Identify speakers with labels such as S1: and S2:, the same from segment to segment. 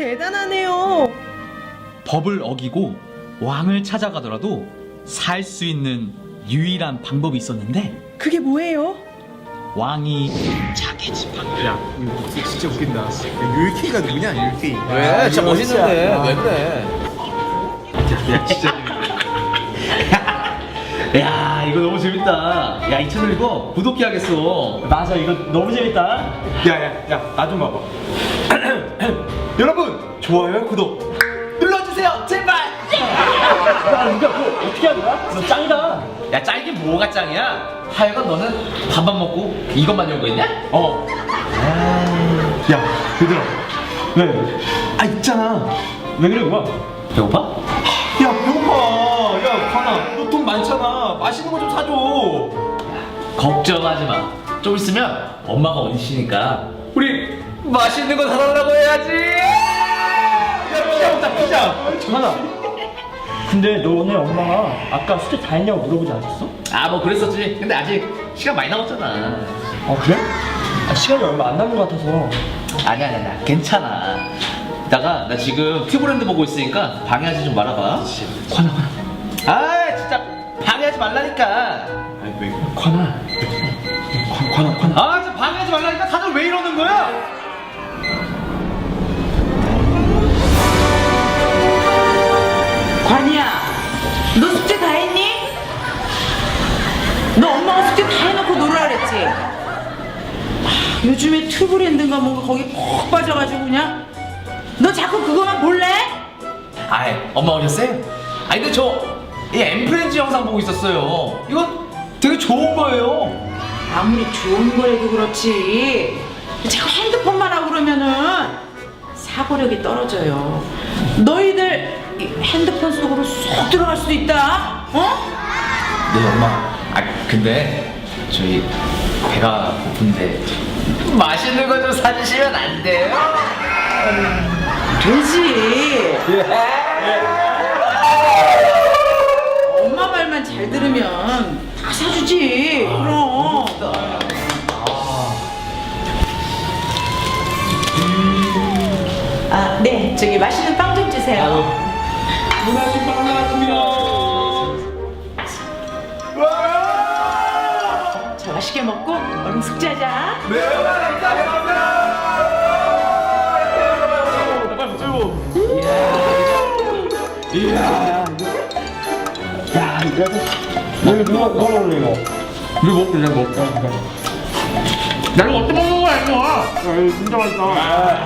S1: 대단하네요.
S2: 법을 어기고 왕을 찾아가더라도 살 수 있는 유일한 방법이 있었는데
S1: 그게 뭐예요?
S2: 왕이 자기 지팡이를
S3: 이거 진짜 웃긴다. 율케이가 누구냐, 율케이.
S4: 왜? 진짜 멋있는데 왜 그래?
S3: 야, 진짜.
S2: 야 이거 너무 재밌다. 야 이 채널 이거 구독해야겠어.
S5: 맞아, 이거 너무 재밌다.
S3: 야, 나 좀 봐봐. 여러분, 좋아요, 구독 눌러주세요, 제발!
S5: 야, 누가 그거 어떻게 하는 거야? 너 짱이다.
S4: 야 짱이게 뭐가 짱이야? 하여간 너는 밥만 먹고 이것만 연구했냐?
S3: 어. 야, 얘들아.
S5: 왜?
S3: 아, 있잖아.
S5: 왜 그래, 그거?
S4: 배고파?
S3: 야, 배고파. 야, 관아, 너 돈 많잖아. 맛있는 거 좀 사줘.
S4: 걱정하지 마. 좀 있으면 엄마가 온시니까 우리 맛있는 거 사달라고 해야지.
S3: 야, 피자 먹자, 피자.
S5: 정하나. 근데 너네 엄마가 아까 숙제 다 했냐고 물어보지 않았어?
S4: 아 뭐 그랬었지. 근데 아직 시간 많이 남았잖아.
S5: 아, 그래? 아, 시간이 얼마 안 남은 것 같아서.
S4: 아니야 괜찮아. 이따가 나 지금 튜브랜드 보고 있으니까 방해하지 좀 말아봐. 관아. 아 진짜 방해하지 말라니까.
S3: 아니, 왜?
S5: 관아.
S3: 관아.
S4: 아 진짜 방해하지 말라니까. 다들 왜 이러는 거야?
S1: 관이야, 너 숙제 다 했니? 너 엄마가 숙제 다 해놓고 놀으라 그랬지? 요즘에 튜브랜드인가 뭔가 거기 푹 빠져가지고 그냥 너 자꾸 그거만 볼래?
S4: 아이 엄마 오셨어요? 아니 근데 저 이 엠프렌즈 영상 보고 있었어요. 이거 되게 좋은 거예요.
S1: 아무리 좋은 거라도 그렇지 자꾸 핸드폰만 하고 그러면은 사고력이 떨어져요. 너희들 이 핸드폰 속으로 쏙 들어갈 수도 있다. 어?
S4: 네 엄마. 아 근데 저희 배가 고픈데 맛있는 거 좀 사주시면 안 돼요?
S1: 되지. 엄마 말만 잘 들으면 다 사주지. 그럼. 아, 네. 저기 맛있는 빵 좀 주세요.
S3: 문화식 빵 나왔습니다.
S1: 자, 맛있게 먹고 얼른 숙제하자.
S3: 네, 감사합니다. 빨리 들고.
S5: 야, 이거. 여기 누가 먹을래, 이거?
S3: 우리 먹고 그냥 먹자.
S4: 나 이거 어떻게 먹는 거야 이거?
S5: 야, 이거 진짜 맛있다.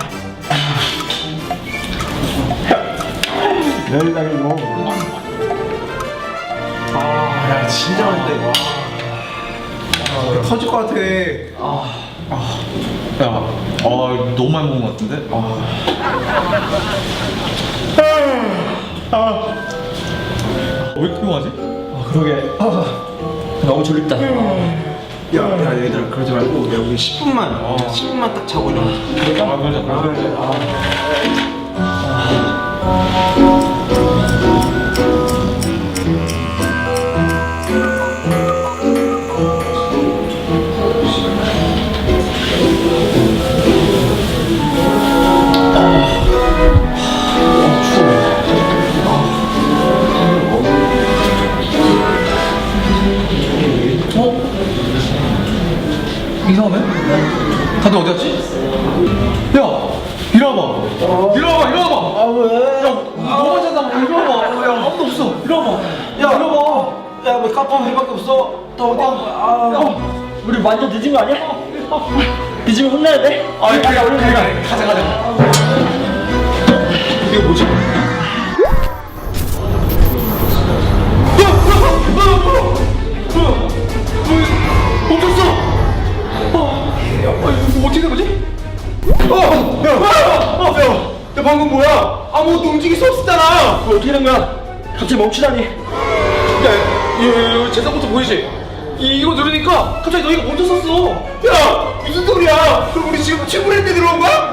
S5: 내일 날 이거.
S3: 야, 진짜 맛있다, 이거. 터질 것 같아. 야, 너무 많이 먹은 것 같은데? 왜 이렇게 피곤하지?
S5: 그러게. 너무 졸립다.
S3: 야, 얘들아, 그러지 말고, 야, 우리 10분만 딱 자고 일어나자. 그러자.
S4: 이상하네? 다들 어디 갔지? 야! 일어나봐! 일어나봐!
S5: 아, 왜?
S4: 너무 찾아봐! 일어나봐! 야 아무도 없어! 일어나봐! 야 일어나봐!
S5: 야, 왜 카페 우리밖에 없어? 나 어디 간 거야? 아, 우리 완전 늦은 거 아니야? 늦으면 혼나야 돼?
S4: 야 우리 가자
S3: 이게 뭐지?
S4: 멈췄어! 이거 어떻게 된 거지?
S3: 야, 방금 뭐야? 아무것도 움직일 수 없었잖아!
S5: 그거 어떻게 된 거야? 갑자기 멈추다니.
S3: 야, 재산부터 보이지? 이거 누르니까 갑자기 너희가 멈췄었어! 야! 무슨 소리야! 그럼 우리 지금 튜브랜드 들어온 거야?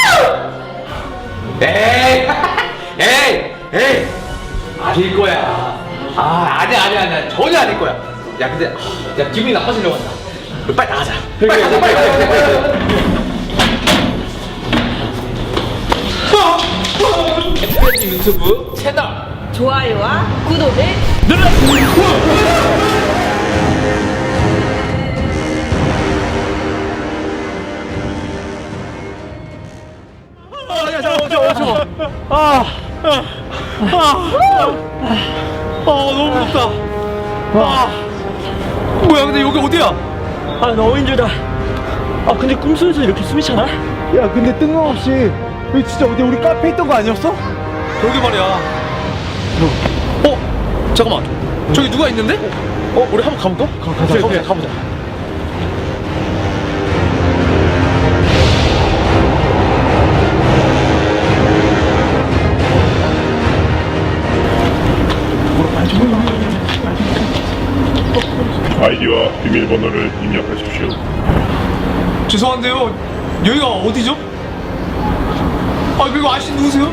S4: 에이! 에이! 아닐 거야. 아니야. 전혀 아닐 거야. 야, 근데, 야, 기분이 나빠지려고 한다. 우리 빨리 나가자. 빨리 가자. 엠프렌즈 유튜브 채널
S1: 좋아요와 구독을
S2: 너무 무섭다. 뭐야, 근데 여기 어디야?
S5: 아 너무 힘들다. 아 근데 꿈속에서 이렇게 숨이 차나?
S3: 야 근데 뜬금없이 여기 진짜 어디 우리 카페에 있던 거 아니었어?
S2: 그러게 말이야. 잠깐만. 저기 누가 있는데? 우리 한번 가볼까? 가보자.
S6: 아이디와 비밀번호를 입력하십시오.
S2: 죄송한데요. 여기가 어디죠? 이거 아저씨 누구세요?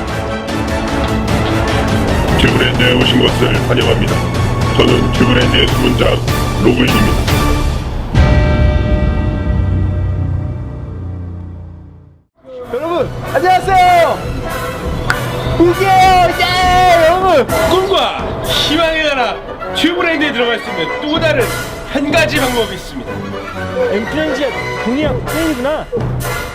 S6: 튜브랜드에 오신 것을 환영합니다. 저는 튜브랜드의 수문자 로그인입니다.
S3: 여러분 안녕하세요. 우기예요. 예 여러분.
S2: 꿈과 희망의 나라 튜브랜드에 들어갈 수 있는 또 다른 한 가지 방법이 있습니다.
S5: 엠프렌즈의 동이랑 팬이구나.